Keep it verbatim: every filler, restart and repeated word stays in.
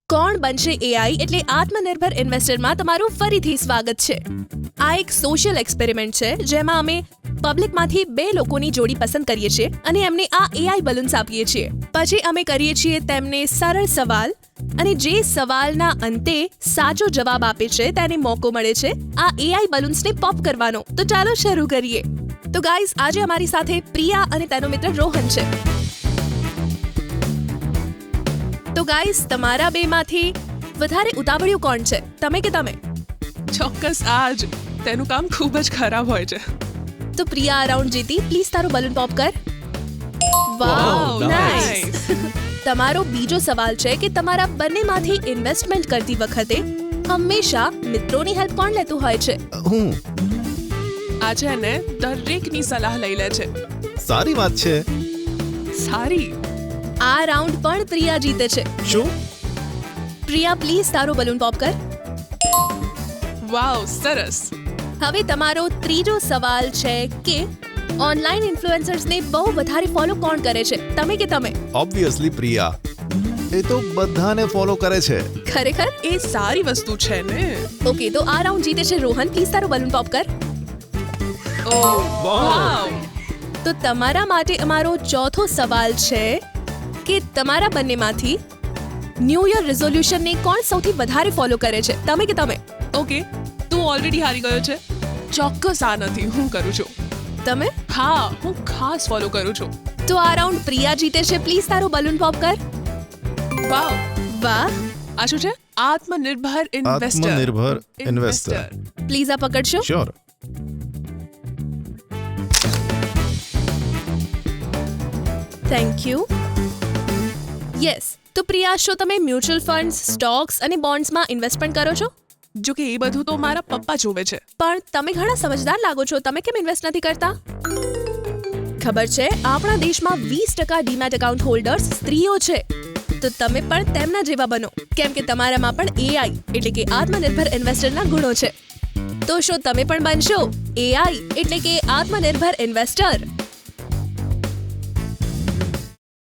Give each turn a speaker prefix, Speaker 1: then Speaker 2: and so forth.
Speaker 1: કોણ બનશે એઆઈ એટલે આત્મનિર્ભર ઇન્વેસ્ટરમાં તમારું ફરીથી સ્વાગત છે. આ એક સોશિયલ એક્સપેરિમેન્ટ છે જેમાં અમે પબ્લિકમાંથી બે લોકોની જોડી પસંદ કરીએ છીએ અને એમને આ એઆઈ બલૂન્સ આપીએ છીએ. પછી અમે કરીએ છીએ તેમને સરળ સવાલ અને જે સવાલના અંતે સાચો જવાબ આપે છે તેને મોકો મળે છે આ એઆઈ બલૂન્સને પોપ કરવાનો. તો ચાલો શરૂ કરીએ. તો ગાઈઝ, આજે અમારી સાથે પ્રિયા અને તેનો મિત્ર રોહન છે. તો ગાઈઝ, તમારા બેમાંથી વધારે ઉતાવળિયું કોણ છે, તમે કે તમે?
Speaker 2: ચોક્કસ આજ તેનું કામ ખૂબ જ ખરાબ હોય છે.
Speaker 1: તો પ્રિયા આ રાઉન્ડ જીતી. પ્લીઝ તારું બલૂન પોપ કર. Wow, nice. તમારો બીજો સવાલ છે કે તમારા બંનેમાંથી ઇન્વેસ્ટમેન્ટ કરતી વખતે હંમેશા મિત્રોની હેલ્પ કોણ લેતું હોય છે?
Speaker 3: હું.
Speaker 2: આ છે ને દરેકની સલાહ લઈ લે છે.
Speaker 3: સારી વાત છે.
Speaker 2: સારી.
Speaker 1: આ રાઉન્ડ પણ પ્રિયા જીતે છે.
Speaker 3: શું?
Speaker 1: પ્રિયા, પ્લીઝ તારું બલૂન પોપ કર.
Speaker 2: વાવ, સરસ.
Speaker 1: હવે તમારો ત્રીજો સવાલ છે કે ઓનલાઈન ઇન્ફ્લુએન્સર્સને બહુ વધારે ફોલો કોણ કરે છે, તમે કે તમે?
Speaker 3: ઓબ્વિયસલી પ્રિયા. એ તો બધાને ફોલો કરે છે.
Speaker 1: ખરેખર?
Speaker 2: એ સારી વસ્તુ છે ને.
Speaker 1: ઓકે, તો આ રાઉન્ડ જીતે છે રોહન. પ્લીઝ તારું બલૂન પોપ કર.
Speaker 2: ઓ વાવ.
Speaker 1: તો તમારા માટે અમારો ચોથો સવાલ છે કે તમારા બંનેમાંથી ન્યૂ યર રિઝોલ્યુશનને કોણ સૌથી વધારે ફોલો કરે છે, તમે કે તમે?
Speaker 2: ઓકે, તું ઓલરેડી હારી ગયો છે. ચોક્કસ આ નથી, હું કરું છું.
Speaker 1: તમે?
Speaker 2: હા, હું ખાસ ફોલો કરું છું.
Speaker 1: તો આ રાઉન્ડ પ્રિયા જીતે છે. પ્લીઝ તારું બલૂન પોપ કર.
Speaker 2: વાવ.
Speaker 1: વાહ.
Speaker 2: આ શું છે? આત્મનિર્ભર ઇન્વેસ્ટર.
Speaker 3: આત્મનિર્ભર ઇન્વેસ્ટર.
Speaker 1: પ્લીઝ આ પકડશો.
Speaker 3: શ્યોર.
Speaker 1: Thank you. યસ. તો પ્રિયા, શું તમે મ્યુચ્યુઅલ ફંડ્સ, સ્ટોક્સ અને બોન્ડ્સમાં ઇન્વેસ્ટમેન્ટ કરો છો?
Speaker 2: જો કે એ બધું તો મારા પપ્પા જોવે છે.
Speaker 1: પણ તમે ઘણા સમજદાર લાગો છો, તમે કેમ ઇન્વેસ્ટ નથી કરતા? ખબર છે, આપણા દેશમાં વીસ ટકા ડીમેટ એકાઉન્ટ હોલ્ડર્સ સ્ત્રીઓ છે. તો તમે પણ તેમના જેવા બનો, કેમ કે તમારામાં પણ એઆઈ એટલે કે આત્મનિર્ભર ઇન્વેસ્ટરના ગુણો છે. તો શું તમે પણ બનશો એઆઈ એટલે કે આત્મનિર્ભર ઇન્વેસ્ટર?